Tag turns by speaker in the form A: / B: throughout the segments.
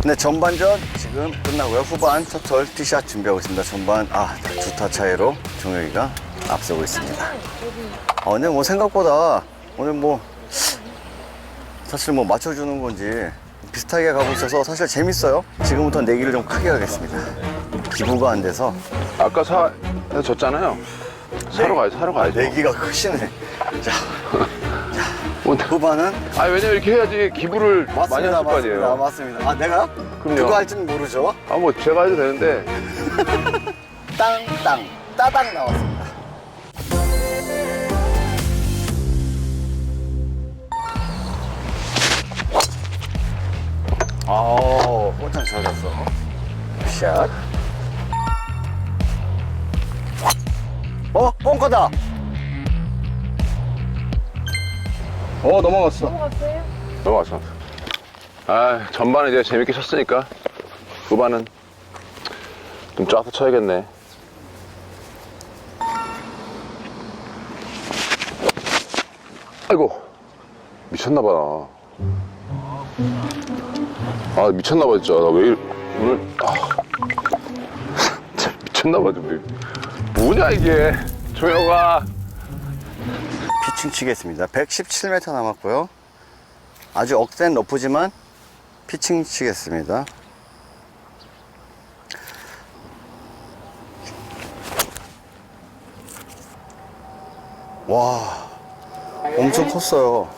A: 네, 전반전 지금 끝나고요. 후반 첫홀 티샷 준비하고 있습니다. 전반 두 타 차이로 종혁이가 앞서고 있습니다. 근데 뭐 생각보다 오늘 뭐 사실 뭐 맞춰주는 건지 비슷하게 가고 있어서 사실 재밌어요. 지금부터 내기를 좀 크게 하겠습니다. 기부가 안 돼서.
B: 아까 졌잖아요. 사러 가야죠.
A: 내기가 크시네. 자, 후반은
B: 왜냐면 이렇게 해야지 기부를 많이 했을 거 아니에요.
A: 맞습니다. 내가?
B: 그럼요.
A: 그거 할지는 모르죠.
B: 뭐 제가 해도 되는데.
A: 따당 나왔습니다. 혼자 잘 갔어. 샷. 벙커다. 넘어갔어.
B: 넘어갔어. 전반은 이제 재밌게 쳤으니까 후반은 좀 짜서 쳐야겠네. 아이고, 미쳤나봐. 미쳤나봐, 진짜. 나 왜 오늘, 진짜 미쳤나봐, 좀. 뭐냐, 이게. 조영아.
A: 피칭 치겠습니다. 117m 남았고요. 아주 억센 러프지만 피칭 치겠습니다. 와, 엄청 컸어요.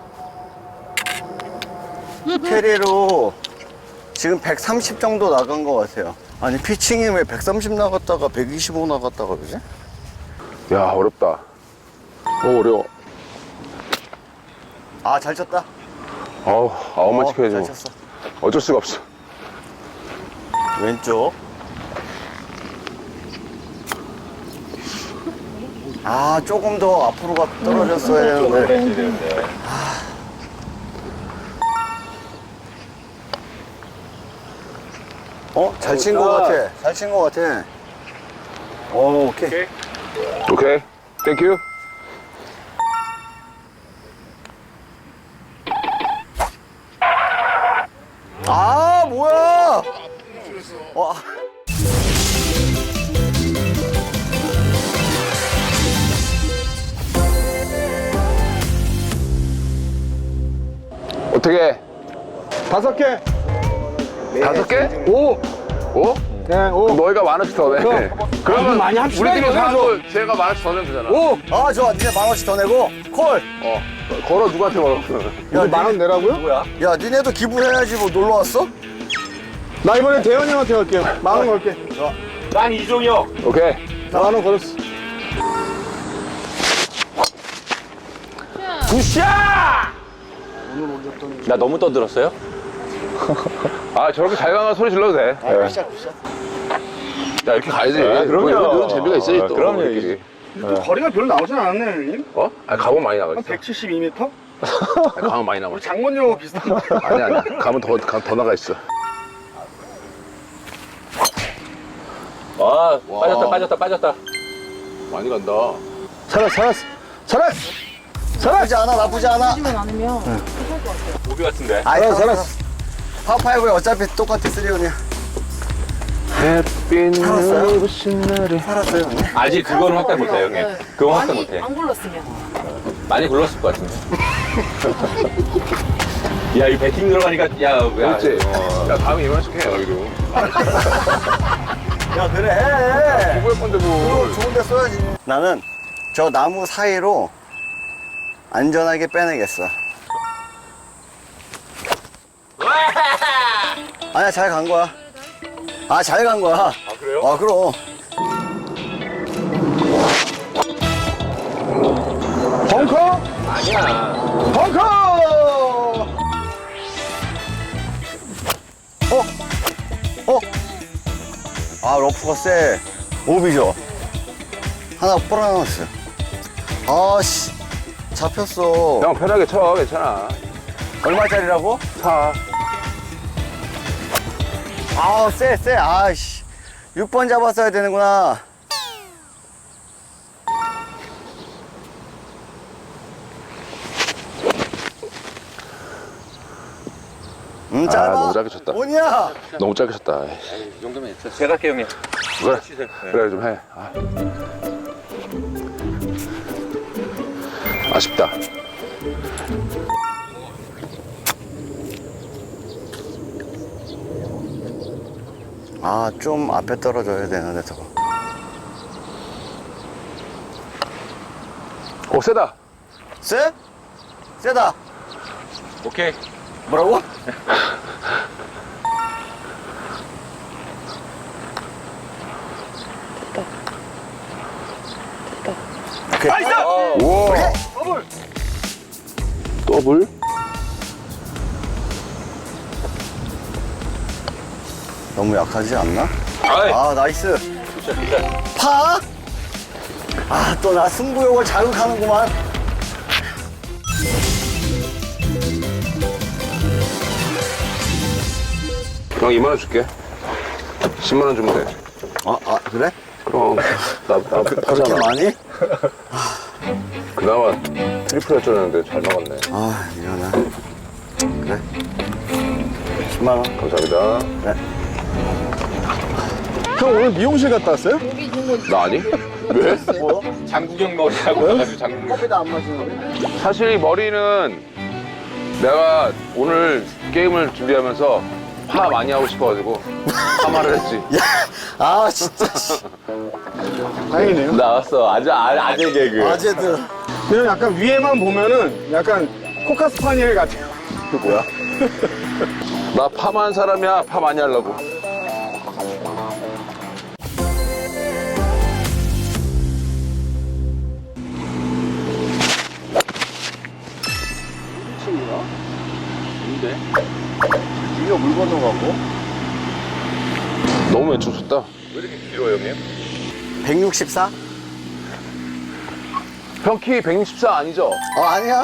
A: 캐리로 지금 130 정도 나간 것 같아요. 아니, 피칭이 왜 130 나갔다가 125 나갔다가 그러지?
B: 야, 어렵다. 어려워.
A: 잘 쳤다.
B: 아웃만 지켜야지.
A: 잘
B: 뭐.
A: 쳤어.
B: 어쩔 수가 없어.
A: 왼쪽. 조금 더 앞으로가 떨어졌어야 되는데. 잘 친 것 같아. 잘 친 것 같아. 오케이.
B: 오케이. 땡큐.
A: 뭐야!
B: 어떻게?
C: 5개.
B: 5개?
C: 5.
B: 5?
C: 그냥 5.
B: 그럼 너희가 10,000원씩 더 내. 그러면
C: 많이 합시다,
B: 우리끼리
C: 이거.
B: 사고 제가 10,000원 더 내면 되잖아.
C: 5.
A: 좋아. 니네 10,000원씩 더 내고, 콜!
B: 걸어, 누구한테 걸어?
C: 이거 10,000원 내라고요?
A: 뭐야? 야, 니네도 기부해야지 뭐 놀러 왔어?
C: 나 이번에 대현이 형한테 갈게요. 10,000원 걸게.
D: 난 이종혁.
B: 오케이.
C: 10,000원 걸었어.
D: 굿샷! 나 너무 떠들었어요?
B: 저렇게 잘 가면 소리 질러도 돼.
A: 굿샷.
B: 야, 이렇게 가야지.
D: 그럼요.
B: 이런 재미가 있어야지 또.
D: 그럼요.
B: 우리끼리.
C: 거리가 별로 나오진 않았네, 형님.
B: 가면 많이 나가 있어.
C: 172m?
B: 가면 많이 나가 있어.
C: 장건영 비슷한 거.
B: 아니야. 가면 더 나가 있어.
D: 빠졌다.
B: 많이 간다.
C: 살았어.
A: 나쁘지 않아.
E: 지면 않으면
D: 오비 같은데.
C: 살았어.
A: 파5에 어차피 똑같아, 3온이야.
B: 햇빛 눈부신 날에.
A: 살았어요, 형님.
D: 아직 그거는 확대 못해, 형님. 그건 확대 못해.
E: 안 굴렀으면
D: 많이 굴렀을 것 같은데. 야, 이 배팅 들어가니까,
B: 그렇지. 야, 다음에 이만씩 해, 여기도.
A: 야, 그래, 해.
B: 누구의 건데, 뭐.
A: 그거 좋은 데 써야지. 나는 저 나무 사이로 안전하게 빼내겠어. 아니야, 잘 간 거야. 잘 간 거야.
D: 그래요?
A: 그럼.
C: 벙커?
D: 아니야.
C: 벙커!
A: 러프가 세. 오비죠. 하나 뿌려놨어요. 잡혔어.
B: 형, 편하게 쳐. 괜찮아.
A: 얼마짜리라고?
B: 사.
A: 세. 6번 잡았어야 되는구나. 짧아.
B: 너무 짧게 쳤다.
A: 뭐냐?
B: 너무 짧게 쳤다.
D: 이 정도면 있어. 제가 할게요, 형님.
B: 그래 좀 해. 아쉽다.
A: 좀 앞에 떨어져야 되는데 저거.
B: 세다.
A: 쎄? 쎄다.
D: 오케이.
A: 뭐라고? 오케이.
B: 우와. 더블?
A: 너무 약하지 않나?
D: 아이.
A: 나이스.
D: 진짜, 진짜.
A: 파? 또 나 승부욕을 자극하는구만.
B: 형 2만 원 줄게. 10만 원 주면 돼.
A: 그래?
B: 그럼 나
A: 그렇게
B: 하잖아.
A: 많이?
B: 그나마 트리플 할 줄 알았는데 잘 나갔네.
A: 미안해. 그래. 10만 원.
B: 감사합니다.
C: 형 오늘 미용실 갔다 왔어요?
B: 나 아니? 왜?
D: 장국영 머리라고 해가지고 장국영.
A: 커피도 안 마시는
B: 사실 이 머리는 내가 오늘 게임을 준비하면서 파 많이 하고 싶어가지고 파마를 했지.
A: 진짜.
C: 다행이네요.
D: 나왔어. 아재 개그.
A: 아재들.
C: 그냥 약간 위에만 보면은 약간 코카스파니엘 같아요.
A: 그 뭐야?
B: 나 파만 사람이야. 파 많이 하려고.
A: 이거 물 건너가고.
B: 너무 왼쪽 쳤다.
D: 왜 이렇게 길어요, 형님?
A: 164?
B: 형 키 164 아니죠?
A: 아니야.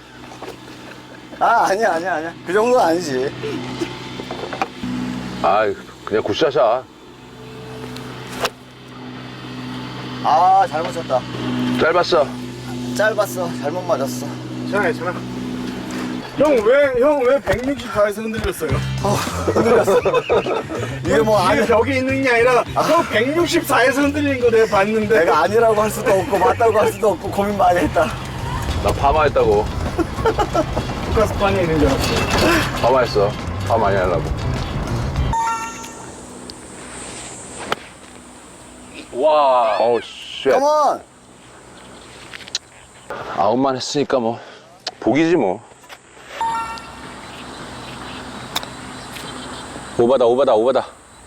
A: 아니야. 그 정도는 아니지.
B: 그냥 굿샷이야.
A: 잘못 쳤다.
B: 짧았어.
A: 짧았어. 잘못 맞았어.
C: 괜찮아. 형 왜 164에서 흔들렸어요?
A: 이게 뭐
C: 이게 벽에 있는 게 아니라 형 164에서 흔들린 거 내가 봤는데.
A: 내가 아니라고 할 수도 없고 맞다고 할 수도 없고 고민 많이 했다.
B: 나 파마했다고.
C: 코카스파니엘 있는 줄 알았어.
B: 파마했어. 파 많이 하려고.
D: 와.
B: 어우 쉣.
A: 컴온.
B: 9만 했으니까 뭐 복이지 뭐.
D: 오바다.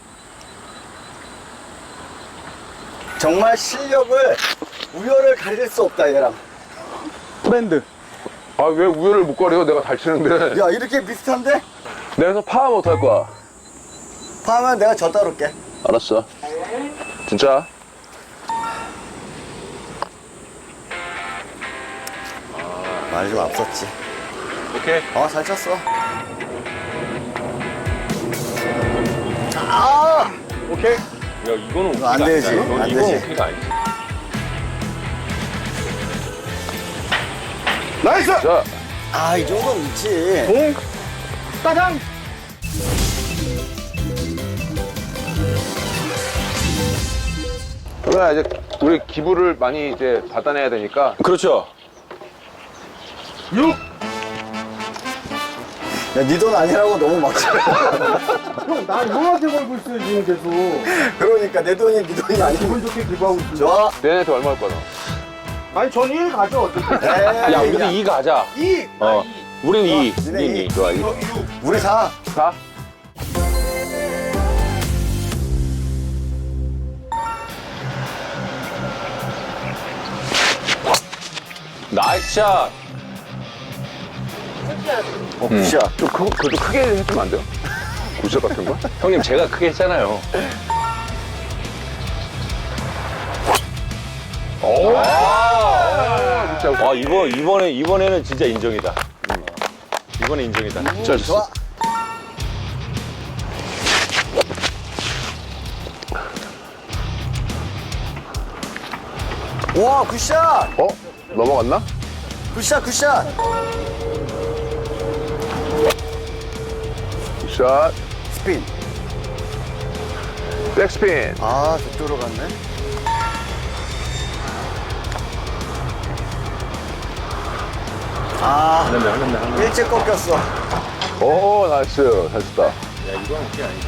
A: 정말 실력을 우열을 가릴 수 없다 얘랑.
C: 브랜드.
B: 왜 우열을 못 가려? 내가 잘 치는데.
A: 야 이렇게 비슷한데?
B: 내가 파하면 어떡할 거야?
A: 파면 내가 저 따를게.
B: 알았어. 진짜?
A: 많이 좀 앞섰지.
D: 오케이.
A: 잘 쳤어.
C: 오케이.
D: 야, 이거는
A: 이거 안
D: 오케이가
A: 되지,
D: 아니잖아.
A: 안
D: 이건
A: 되지.
D: 오케이가 아니지.
C: 나이스.
B: 자,
A: 이 정도는 있지.
C: 공. 따당.
B: 그러면 이제 우리 기부를 많이 이제 받아내야 되니까.
D: 그렇죠.
C: 6.
A: 야, 네 돈 아니라고 너무 막.
C: 형, 나 형한테 걸고 있어요, 지금 계속.
A: 그러니까 내 돈이 네 돈이 아니고.
C: 기분 좋게 기부하고 있어요.
A: 좋아.
B: 내한테 얼마 할 거야?
C: 아니, 전 1 가죠, 어차피.
D: 야, 우리 2 가자.
C: 2.
D: 우린 2.
A: 니네
D: 우린
A: 이.
D: 2. 좋아, 2.
A: 우리 4.
B: 가?
D: 나이스 샷.
A: 굿샷.
B: 그래도 크게 해주면 안 돼요? 굿샷 같은 거?
D: 형님, 제가 크게 했잖아요. 와, 이번에는 진짜 인정이다. 이번에 인정이다.
B: 잘
A: 좋아. 와, 굿샷.
B: 넘어갔나?
A: 굿샷, 굿샷.
B: 샷.
A: 스핀.
B: 백스핀.
A: 아, 저쪽으로 갔네. 아, 일찍 꺾였어.
B: 오, 나이스. 잘 쳤다.
D: 야, 이건 오케이 아니지.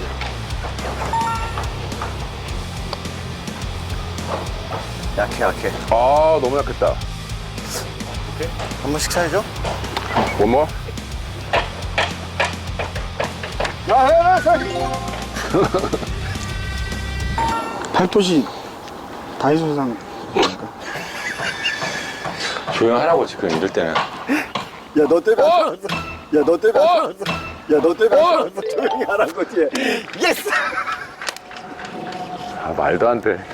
A: 약해.
B: 아, 너무 약했다.
A: 한 번씩 차야죠?
B: 원모?
C: 팔토시 다이소상.
D: 조용하라고 지금 이럴 때는.
A: 야, 너 때문에 안 들어왔어. 야, 너 때문에 안 들어왔어. 야, 너 때문에 안 들어왔어. 조용히 하라고, 뒤에. 예스!
B: 아, 말도 안 돼.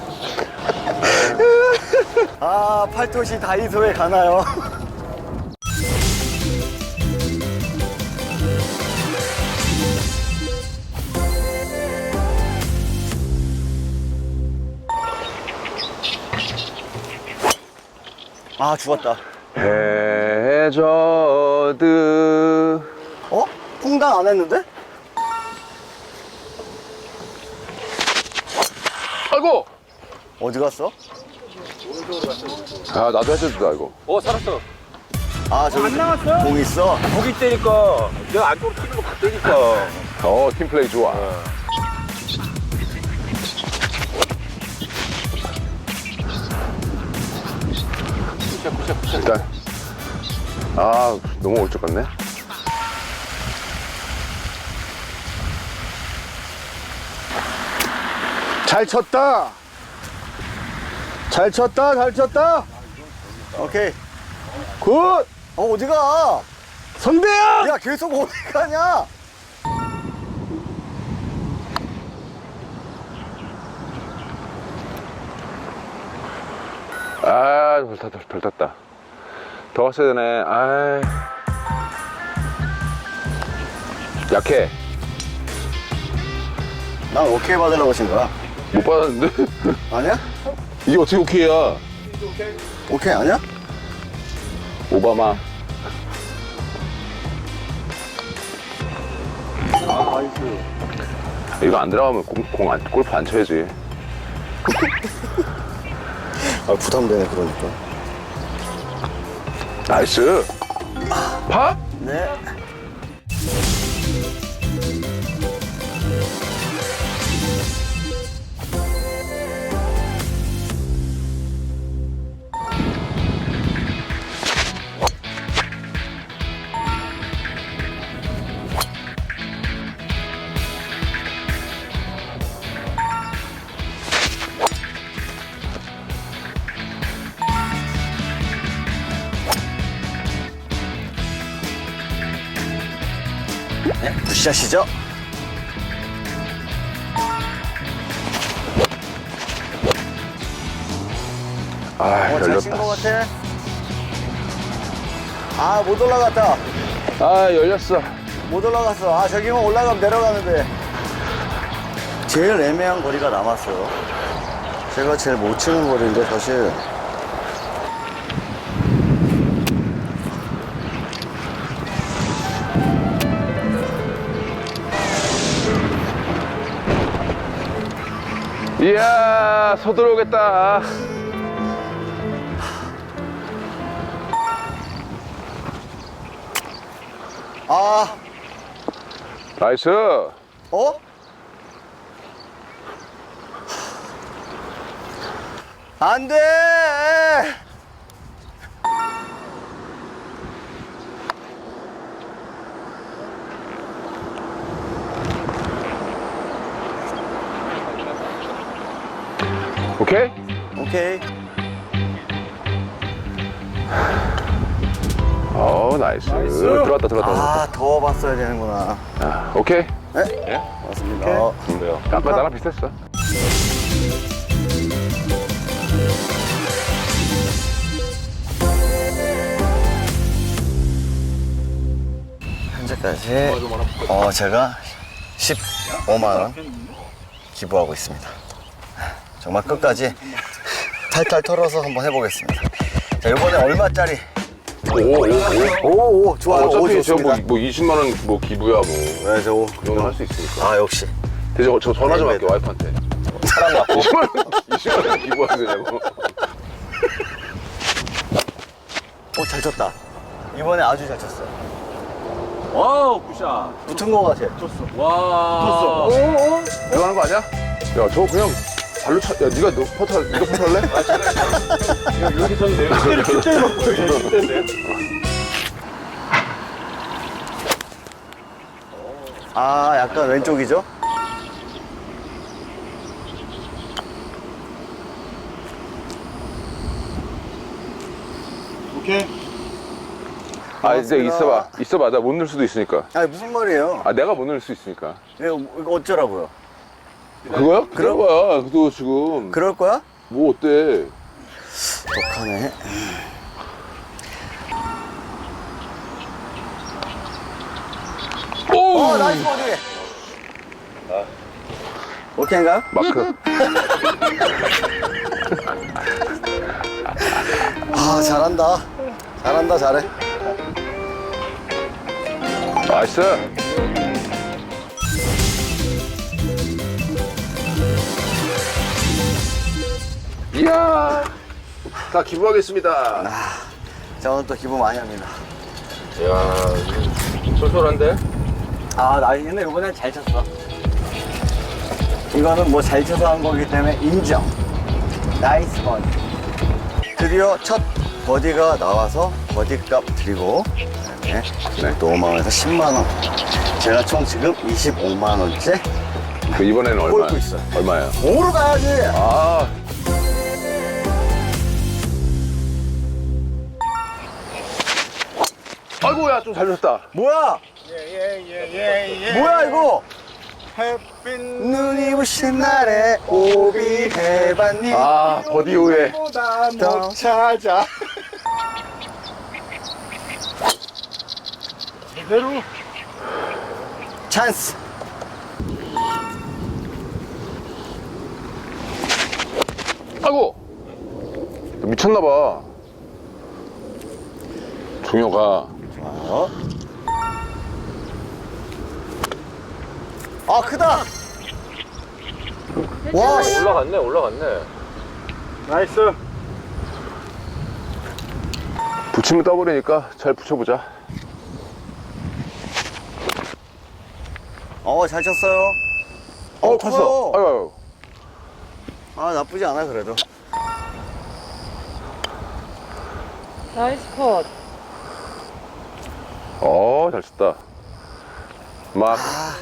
A: 아, 팔토시 다이소에 가나요? 아, 죽었다.
B: 해저드.
A: 어? 풍당 안 했는데?
B: 아이고!
A: 어디 갔어?
B: 아, 나도 해저드다, 이거.
D: 살았어.
A: 아, 저기 공 있어?
D: 거기 때니까. 내가 안쪽으로 튀는 거 봤다니까.
B: 팀플레이 좋아. 일단. 아, 너무 올적 같네.
C: 잘 쳤다. 잘 쳤다.
A: 오케이.
C: 굿.
A: 어디 가?
C: 선배야.
A: 야, 계속 어디 가냐?
B: 아, 덜 탔다. 더 갔어야 되네. 아, 약해.
A: 난 오케이 받으려고 친 거야.
B: 못 받았는데?
A: 아니야?
B: 이게 어떻게 오케이야?
A: 오케이 아니야?
B: 오바마. 이거 안 들어가면 골프 안 쳐야지.
A: 아, 부담되네, 그러니까.
B: 나이스. 파?
A: 네. 네, 굿샷이죠?
B: 아,
A: 잘 친
B: 열렸다.
A: 거 같아. 아, 못 올라갔다.
B: 아, 열렸어.
A: 못 올라갔어. 아, 저기만 올라가면 내려가는데. 제일 애매한 거리가 남았어요. 제가 제일 못 치는 거리인데, 사실.
B: 이야, 소 들어오겠다.
A: 아,
B: 나이스.
A: 어? 안 돼!
B: 오케이?
A: 오케이.
B: 나이스. 들어왔다.
A: 아, 더 봤어야 되는구나.
B: 아, 오케이.
A: 네? 맞습니다.
D: 뭐야?
B: 아까 나랑 비슷했어.
A: 현재까지 제가 15만 원 기부하고 있습니다. 정말 끝까지 탈탈 털어서 한번 해보겠습니다. 자, 이번에 얼마짜리 오, 좋아요. 오,
B: 어차피 저
A: 좋습니다.
B: 뭐 20만 원 뭐 기부야 뭐.
A: 네, 저 오.
B: 그 정도 할 수 있으니까.
A: 아, 역시.
B: 대신 저 전화 좀 할게 와이프한테.
D: 사람 맞고.
B: 20만 원 기부하면 되냐고.
A: 잘 쳤다. 이번에 아주 잘 쳤어.
D: 와우, 굿샷.
A: 붙은 거 같아.
D: 와.
B: 들어가는 거 아니야? 야, 저거 그냥 발로 차. 야, 네가 퍼트 할래?
D: 이렇게 쳤는데요? 그때를 맞고 그때인데요?
A: 아, 약간 왼쪽이죠?
C: 오케이.
B: 아, 이제
A: 고맙습니다.
B: 있어봐. 나 못 넣을 수도 있으니까.
A: 아니, 무슨 말이에요?
B: 아, 내가 못 넣을 수 있으니까.
A: 이거 어쩌라고요?
B: 그거야? 그런 거야. 그거 지금.
A: 그럴 거야?
B: 뭐 어때?
A: 독하네.
B: 오!
A: 나이스 버디! 오케이인가요?
B: 마크.
A: 아, 잘한다. 잘한다, 잘해.
B: 나이스. 이야. 다 기부하겠습니다.
A: 자, 오늘 또 기분 많이 합니다.
D: 이야, 쏠쏠한데?
A: 아, 나 근데 이번엔 잘 쳤어. 이거는 뭐 잘 쳐서 한 거기 때문에 인정. 나이스 버디. 드디어 첫 버디가 나와서 버디값 드리고, 네, 또 5만원에서 10만원. 제가 총 지금 25만원째
B: 그 이번에는 얼마야?
A: 꼴고 있어요.
B: 얼마야?
A: 5로 가야지!
B: 아. 아이고야, 좀 잘 줬다.
A: 뭐야? 뭐야, 이거?
C: 햇빛
A: 눈이 부신 날에 오비 해봤니?
B: 아, 버디 후에.
C: 보다 못 찾아. 제대로.
A: 찬스!
B: 아이고! 미쳤나봐. 종효가.
A: 어? 아, 크다! 와, 씨.
D: 올라갔네.
C: 나이스.
B: 붙이면 떠버리니까 잘 붙여보자.
A: 잘 쳤어요.
B: 컸어.
A: 커요.
B: 아유.
A: 아, 나쁘지 않아, 그래도.
E: 나이스 컷.
B: 잘 쳤다. 막.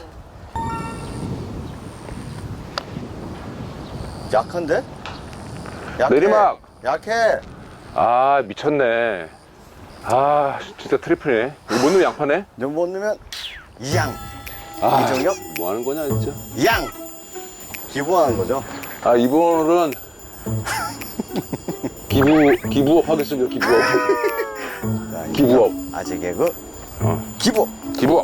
A: 약한데? 약해.
B: 내리막.
A: 약해.
B: 아, 미쳤네. 아, 진짜 트리플이네. 이거 못 넣으면 양파네?
A: 좀 못 넣으면, 양.
B: 아,
A: 이정엽?
B: 뭐 하는 거냐, 진짜.
A: 양! 기부하는 거죠.
B: 아, 이번은 기부업 하겠습니다, 기부업.
A: 자,
B: 기부업.
A: 아재 개그.
B: 어.
A: 기부.
B: 기부업.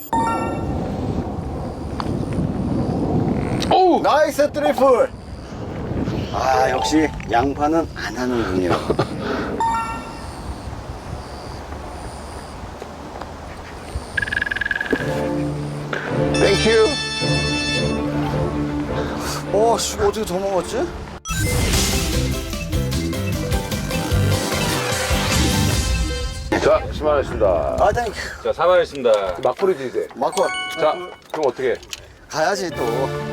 B: 오우!
A: 나이스 트리플! 아, 역시 양파는 안 하는군요.
B: 땡큐.
A: 씨, 이거 어떻게 더 먹었지?
B: 자, 10만 원입니다.
A: 아, 땡큐.
D: 자, 4만 원입니다.
B: 막걸리지, 이제.
A: 마콜.
B: 자, 그럼 어떻게 해?
A: 가야지, 또.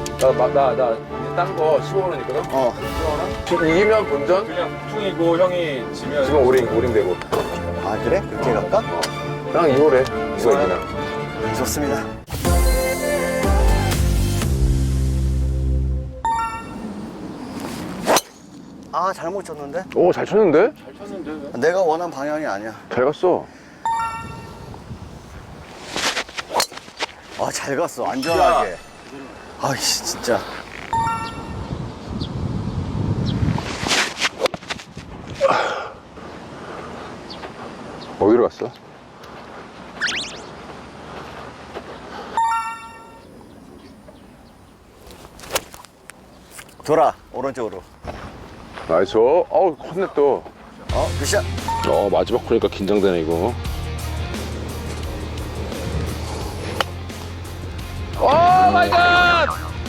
B: 딴 거 15만 원 있거든? 이기면 본전?
D: 그냥 풍이고 형이 지면
B: 지금 오링 되고.
A: 아, 그래? 그렇게 갈까?
B: 그냥 2월에. 이거 이기나.
A: 좋습니다. 아, 잘못 쳤는데?
B: 오, 잘 쳤는데?
A: 내가 원한 방향이 아니야.
B: 잘 갔어.
A: 아, 잘 갔어. 안전하게. 아이씨, 진짜.
B: 어디로 갔어?
A: 돌아, 오른쪽으로.
B: 나이스. 어우, 컸네 또.
A: 굿샷.
B: 마지막 코니까 긴장되네 이거. 오 마이 갓!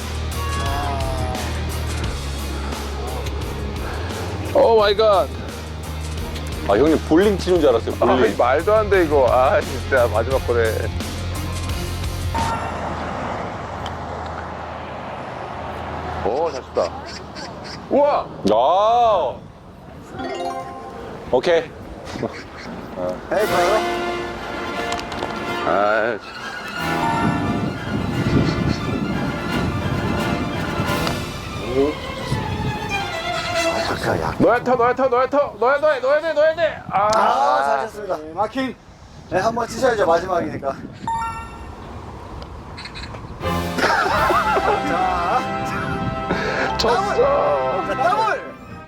B: 오 마이 갓!
C: 아 형님 볼링 치는 줄 알았어요. 볼링.
B: 말도 안 돼 이거. 아 진짜 마지막 코네. 잘 쳤다. 우와!
C: 아. 오케이.
A: 에이, 봐요.
B: 아,
A: 아까 약.
B: 넣어야 돼.
A: 아, 잘 쳤습니다.
C: 마킹.
A: 네, 한번 치셔야죠, 마지막이니까.
B: 쳤어.
A: 자, 더블!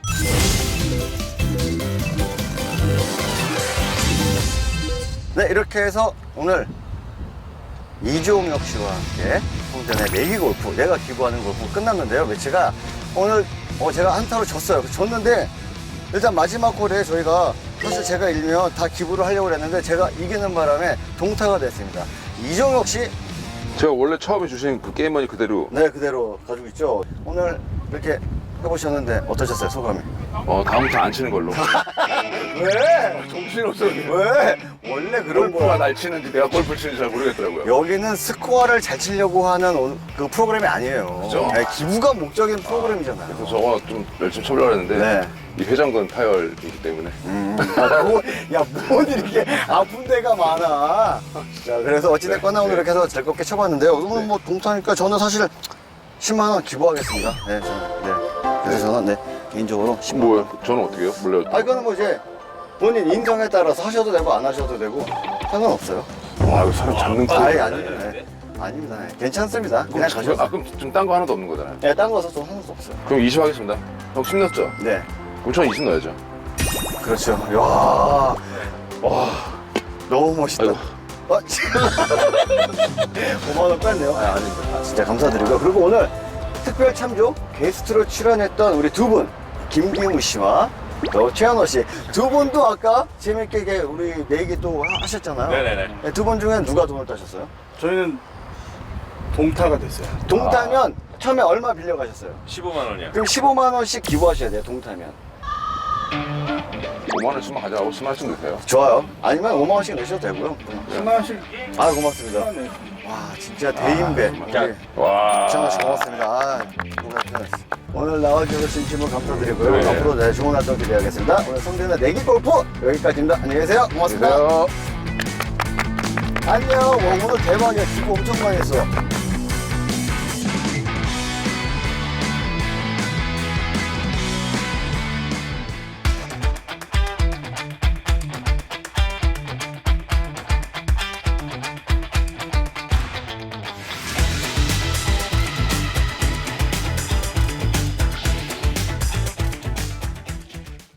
A: 네, 이렇게 해서 오늘 이종혁 씨와 함께 홍전의 내기 골프, 내가 기부하는 골프 끝났는데요. 매치가 오늘 제가 한타로 졌어요. 졌는데 일단 마지막 홀에 저희가 사실 제가 이기면 다 기부를 하려고 했는데 제가 이기는 바람에 동타가 됐습니다. 이종혁 씨,
B: 제가 원래 처음에 주신 그 게임머니 그대로
A: 네, 그대로 가지고 있죠. 오늘 이렇게 해보셨는데 어떠셨어요, 소감이?
B: 다음부터 안 치는 걸로.
A: 왜?
B: 정신없어.
A: 왜? 원래 그런
B: 골프가
A: 거야.
B: 날 치는지 내가 골프를 치는지 잘 모르겠더라고요.
A: 여기는 스코어를 잘 치려고 하는 그 프로그램이 아니에요.
B: 그죠?
A: 네, 기부가 목적인 프로그램이잖아요.
B: 그래서 저거 좀 열심히 쳐보려고 했는데
A: 네.
B: 이 회전근 파열이기 때문에
A: 뭔 이렇게 아픈 데가 많아. 자, 그래서 어찌됐거나 오늘 이렇게 해서 즐겁게 쳐봤는데요. 오늘 뭐 동타니까 저는 사실 10만원 기부하겠습니다. 네, 그래서 저는 네, 개인적으로 10만원.
B: 뭐예요? 저는 어떻게 해요? 몰라요.
A: 이거는 뭐 이제 본인 인정에 따라서 하셔도 되고 안 하셔도 되고 상관없어요.
B: 이거 사람 잡는 거.
A: 아닙니다. 네. 아닙니다. 네. 괜찮습니다. 그냥 가셔도.
B: 그럼 지금 딴 거 하나도 없는 거잖아요.
A: 네, 딴 거서 좀 하는 수 없어요.
B: 그럼 20 하겠습니다. 형 10 넣었죠?
A: 네,
B: 그럼 저는 20 넣어야죠.
A: 그렇죠. 와, 너무 멋있다.
B: 아이고.
A: 5만원 뺐네요. 아닙니다. 진짜 감사드리고요. 그리고 오늘 특별 참조 게스트로 출연했던 우리 두 분, 김기무 씨와 또 최현호 씨. 두 분도 아까 재밌게 이게 우리 내기 또 하셨잖아요.
D: 네네네.
A: 두 분 중에 누가 돈을 따셨어요?
C: 저희는 동타가 됐어요.
A: 동타면 처음에 얼마 빌려가셨어요?
D: 15만 원이요.
A: 그럼 15만원씩 기부하셔야 돼요, 동타면.
B: 5만 원씩만 가져가고 10만 원씩 넣으세요.
A: 좋아요. 아니면 5만원씩 내셔도 되고요.
C: 10만 원씩.
A: 아, 고맙습니다.
C: 네.
A: 와, 진짜 대인배.
D: 자,
B: 와.
A: 정말 고맙습니다. 아, 고맙습니다. 오늘 나와주셔서 진심으로 감사드리고요.
B: 네.
A: 앞으로 네, 좋은 활동 기대하겠습니다. 오늘 성대는 내기 골프 여기까지입니다. 안녕히 계세요. 고맙습니다.
B: 안녕히 계세요.
A: 안녕. 와, 오늘 대박이야. 기부 엄청 많이 했어.